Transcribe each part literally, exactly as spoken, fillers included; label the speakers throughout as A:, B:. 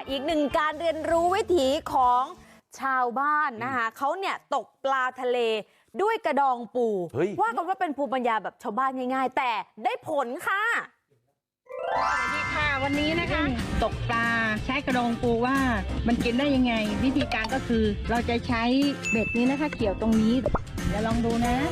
A: อีกหนึ่งการเรียนรู้วิถีของชาวบ้านนะคะเขาเนี่ยตกปลาทะเลด้วยกระดองปูว่ากันว่าเป็นภูมิปัญญาแบบชาวบ้านง่ายๆแต่ได้ผลค่ะ
B: สวัสดีค่ะวันนี้นะคะตกปลาใช้กระดองปูว่ามันกินได้ยังไงวิธีการก็คือเราจะใช้เบ็ดนี้นะคะเกี่ยวตรงนี้เดี๋ยวลองดูนะ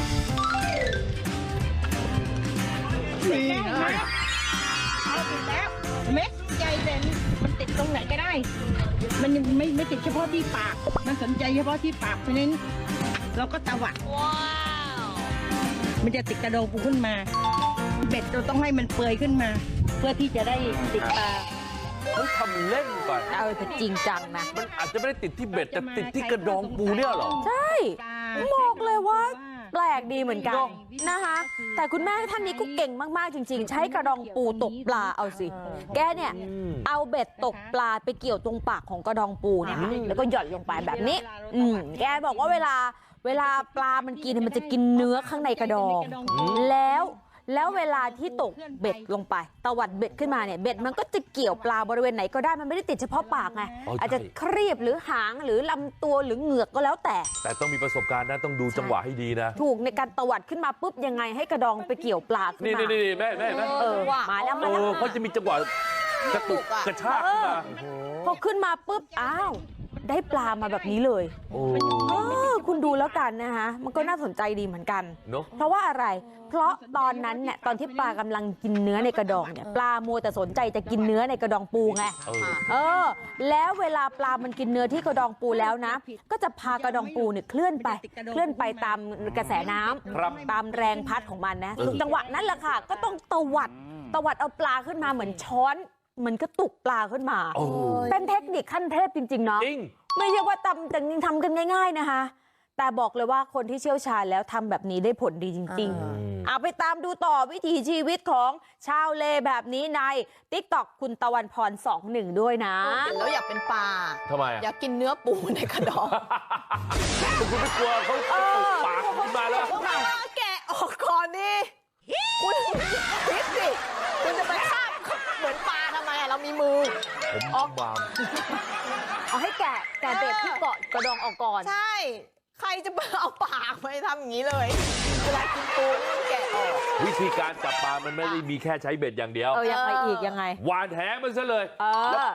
B: ติดแล้วไหมเอาติดแล้วเม็ดใจเด่นมันติดตรงไหนก็ได้มันยังไม่ไม่ติดเฉพาะที่ปากมันสนใจเฉพาะที่ปากเพราะฉะนั้นเราก็ตวัดว้าวมันจะติดกระดองปูขึ้นมาเบ็ดเราต้องให้มันเปื่อยขึ้นมาเพื่อที่จะได้ติดปลา
C: เขาทำเล่นไป
A: เอาแต่จริงจังนะ
C: มันอาจจะไม่ได้ติดที่เบ็ดแต่ติดที่กระดองปูเนี่ยหรอ
A: ใช่บอกเลยว่าแปลกดีเหมือนกันนะคะแต่คุณแม่ท่านนี้ก็เก่งมากๆจริงๆใช้กระดองปูตกปลาเอาสิแกเนี่ยเอาเบ็ดตกปลาไปเกี่ยวตรงปากของกระดองปูเนี่ยแล้วก็หย่อนลงไปแบบนี้อืมแกบอกว่าเวลาเวลาปลามันกินมันจะกินเนื้อข้างในกระดองแล้วแล้วเวลาที่ตกเบ็ดลงไปตวัดเบ็ดขึ้นมาเนี่ยเบ็ดมันก็จะเกี่ยวปลาบริเวณไหนก็ได้มันไม่ได้ติดเฉพาะปากไงอาจจะครีบหรือหางหรือลำตัวหรือเหงือกก็แล้วแต่
C: แต่ต้องมีประสบการณ์นะต้องดูจังหวะให้ดีนะ
A: ถูกในการตวัดขึ้นมาปุ๊บยังไงให้กระดองไปเกี่ยวปลาขึ้นมา
C: นี่นี่แม่แม่แม่
A: เออมาแล้วมาแล้ว
C: เขาจะมีจังหวะกระตุกกระชากขึ้นมา
A: พอขึ้นมาปุ๊บอ้าวได้ปลามาแบบนี้เลยโอ้คุณดูแล้วกันนะคะมันก็น่าสนใจดีเหมือนกันเพราะว่าอะไรเพราะตอนนั้นเนี่ยตอนที่ปลากำลังกินเนื้อในกระดองเนี่ยปลาโมแต่สนใจจะกินเนื้อในกระดองปูไงเออแล้วเวลาปลามันกินเนื้อที่กระดองปูแล้วนะก็จะพากระดองปูเนี่ยเคลื่อนไปเคลื่อนไปตามกระแสน้ำตามแรงพัดของมันนะจังหวะนั้นแหละค่ะก็ต้องตวัดตวัดเอาปลาขึ้นมาเหมือนช้อนเหมือนกระตุกปลาขึ้นมาเป็นเทคนิคขั้นเทพจริงๆเนาะไม่ใช่ว่าทำแต่ทำกันง่ายๆนะคะแต่บอกเลยว่าคนที่เชี่ยวชาญแล้วทำแบบนี้ได้ผลดีจริงๆเอาไปตามดูต่อวิถีชีวิตของชาวเลแบบนี้ใน ติ๊กต็อก คุณตะวันพรสองหนึ่งด้วยนะ
D: เห็นแล้วอยากเป็นปลา
C: ทำไม
D: อยากกินเนื้อปูในกระดอง
C: คุณไม่กลัวเขาตกปากขึ้นมาแล้ว
D: แกะออกก่อนดิคุณคิดสิคุณจะไปคาบเหมือนปลาทำไมเรามีมือ
C: ผมออกบาม
A: เอาให้แกะแกะเบ็ดที่เกาะกระดองออกก่อน
D: ใช่ใครจะเอาปากไปทำอย่างนี้เลยเวลากินปูแกะออก
C: วิธีการจับปลามันไม่ได้มีแค่ใช้เบ็ดอย่างเดียว
A: เออยังไงอีกยังไง
C: หวานแหมันซะเลย
A: เออ